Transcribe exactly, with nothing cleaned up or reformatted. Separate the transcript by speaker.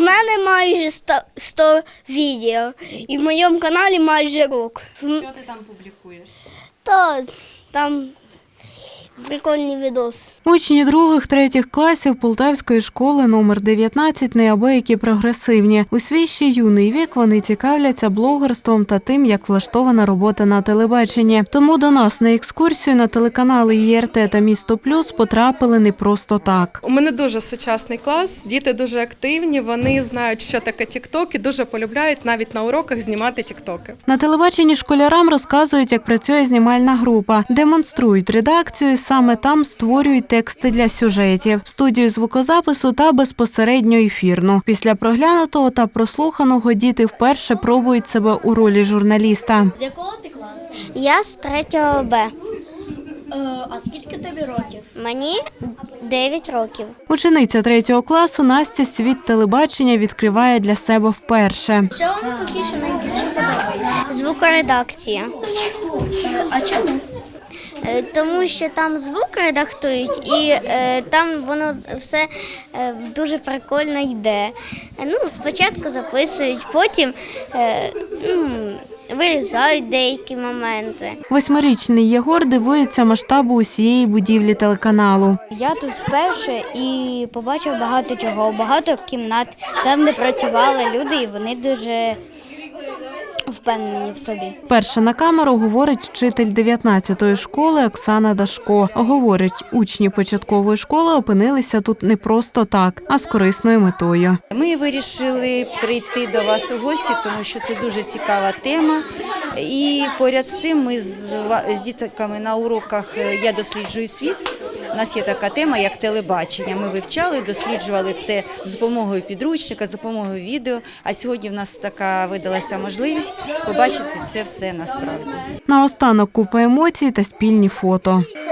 Speaker 1: мене майже сто відео і в моєму каналі майже рік.
Speaker 2: Що ти там публікуєш?
Speaker 1: То там прикольний відос.
Speaker 3: Учні других-третіх класів Полтавської школи номер дев'ятнадцять неабиякі прогресивні. У свій ще юний вік вони цікавляться блогерством та тим, як влаштована робота на телебаченні. Тому до нас на екскурсію на телеканали Є Р Те та Місто Плюс потрапили не просто так.
Speaker 4: У мене дуже сучасний клас, діти дуже активні, вони знають, що таке тік-ток і дуже полюбляють навіть на уроках знімати тік-токи.
Speaker 3: На телебаченні школярам розказують, як працює знімальна група, демонструють редакцію, саме там створюють тексти для сюжетів, студію звукозапису та безпосередньо ефірну. Після проглянутого та прослуханого діти вперше пробують себе у ролі журналіста.
Speaker 5: З якого ти класу?
Speaker 1: Я з третього Б.
Speaker 5: Е, а скільки тобі років?
Speaker 1: Мені дев'ять років.
Speaker 3: Учениця третього класу Настя світ телебачення відкриває для себе вперше.
Speaker 5: Що вам поки що найбільше подобається?
Speaker 1: Звукоредакція.
Speaker 5: Е, а чому?
Speaker 1: Е, Тому що там звук редактують і е, там воно все е, дуже прикольно йде. Е, Ну, спочатку записують, потім е, ну, вирізають деякі моменти.
Speaker 3: Восьмирічний Єгор дивується масштабу усієї будівлі телеканалу.
Speaker 6: Я тут вперше і побачив багато чого, багато кімнат, там де працювали люди, і вони дуже впевнені в собі.
Speaker 3: Перша на камеру говорить вчитель дев'ятнадцятої школи Оксана Дашко. Говорить, учні початкової школи опинилися тут не просто так, а з корисною метою.
Speaker 2: Ми вирішили прийти до вас у гості, тому що це дуже цікава тема. І поряд з цим ми з, ва- з дітками на уроках «Я досліджую світ». У нас є така тема, як телебачення. Ми вивчали, досліджували це з допомогою підручника, з допомогою відео. А сьогодні в нас така видалася можливість побачити це все насправді.
Speaker 3: Наостанок купа емоцій та спільні фото.